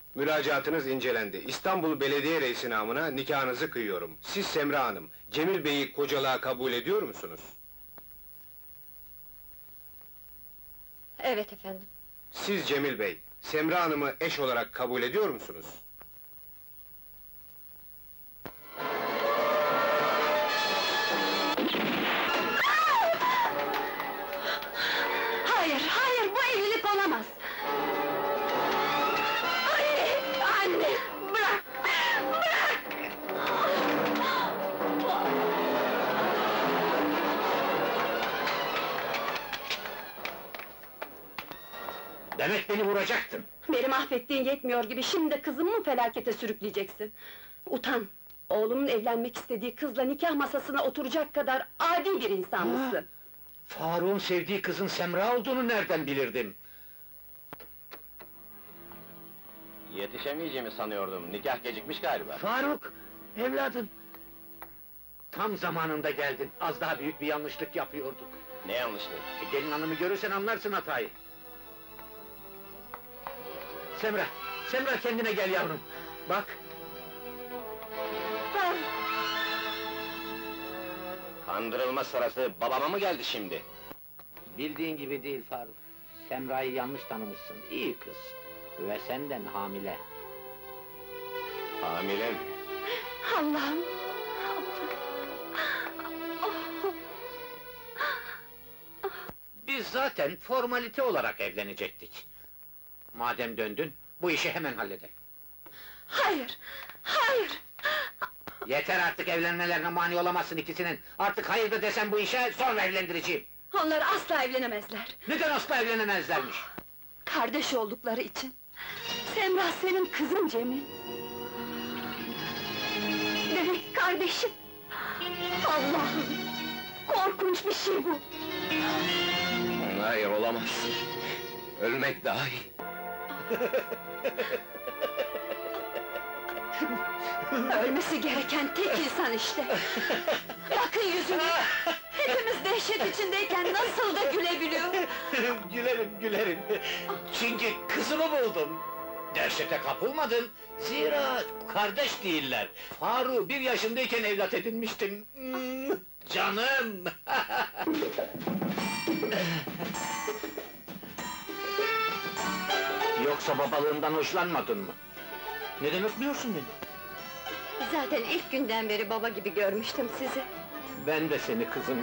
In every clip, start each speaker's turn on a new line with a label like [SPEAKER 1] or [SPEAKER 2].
[SPEAKER 1] Müracaatınız incelendi. İstanbul Belediye Reisi namına nikahınızı kıyıyorum. Siz Semra Hanım, Cemil Bey'i kocalığa kabul ediyor musunuz?
[SPEAKER 2] Evet efendim.
[SPEAKER 1] Siz Cemil Bey, Semra Hanım'ı eş olarak kabul ediyor musunuz?
[SPEAKER 2] Hayır, hayır, bu evlilik olamaz! Anne, anne! Bırak! Bırak!
[SPEAKER 3] Demek beni vuracaktın!
[SPEAKER 2] Beni mahvettiğin yetmiyor gibi, şimdi de kızımı mı felakete sürükleyeceksin? Utan! Oğlumun evlenmek istediği kızla nikah masasına oturacak kadar adi bir insan mısın?
[SPEAKER 3] Faruk'un sevdiği kızın Semra olduğunu nereden bilirdim?
[SPEAKER 4] Yetişemeyeceğimi sanıyordum, nikah gecikmiş galiba.
[SPEAKER 3] Faruk! Evladım! Tam zamanında geldin, az daha büyük bir yanlışlık yapıyorduk.
[SPEAKER 4] Ne yanlışlığı?
[SPEAKER 3] Gelin hanımı görürsen anlarsın hatayı. Semra! Semra kendine gel yavrum! Bak!
[SPEAKER 4] Kandırılma sırası babama mı geldi şimdi?
[SPEAKER 3] Bildiğin gibi değil Faruk. Semra'yı yanlış tanımışsın, iyi kız. Ve senden hamile.
[SPEAKER 4] Hamile mi?
[SPEAKER 2] Allah'ım!
[SPEAKER 3] Biz zaten formalite olarak evlenecektik. Madem döndün, bu işi hemen halledelim.
[SPEAKER 2] Hayır! Hayır!
[SPEAKER 3] Yeter artık, evlenmelerine mani olamazsın ikisinin! Artık hayır da desem bu işe, sonra evlendireceğim!
[SPEAKER 2] Onlar asla evlenemezler!
[SPEAKER 3] Neden asla evlenemezlermiş?
[SPEAKER 2] Kardeş oldukları için! Semra senin kızın Cemil! Demek kardeşim! Allah'ım! Korkunç bir şey bu!
[SPEAKER 4] Hayır, olamaz. Ölmek daha iyi.
[SPEAKER 2] Ölmesi gereken tek insan işte! Bakın yüzüne! Hepimiz dehşet içindeyken nasıl da gülebiliyor!
[SPEAKER 3] Gülerim, gülerim! Çünkü kızımı buldum! Dehşete kapılmadın, zira kardeş değiller! Faruk'u 1 yaşındayken evlat edinmiştim! Canım! Yoksa babalığımdan hoşlanmadın mı? Neden öpmüyorsun beni?
[SPEAKER 2] Zaten ilk günden beri baba gibi görmüştüm sizi!
[SPEAKER 3] Ben de seni kızım!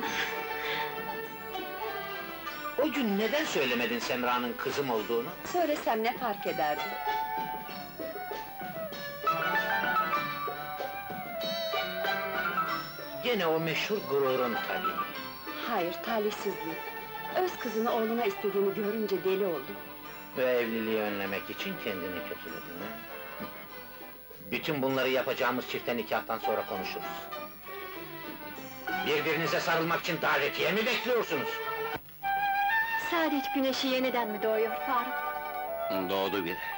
[SPEAKER 3] O gün neden söylemedin Semra'nın kızım olduğunu?
[SPEAKER 2] Söylesem ne fark ederdi?
[SPEAKER 3] Gene o meşhur gururun tabii!
[SPEAKER 2] Hayır, talihsizliği! Öz kızını oğluna istediğini görünce deli oldu!
[SPEAKER 3] Ve evliliği önlemek için kendini kötüledin ha? Bütün bunları yapacağımız çifte nikahtan sonra konuşuruz. Birbirinize sarılmak için davetiye mi bekliyorsunuz?
[SPEAKER 2] Saadet güneşi yeniden mi doğuyor Faruk?
[SPEAKER 4] Doğdu bile.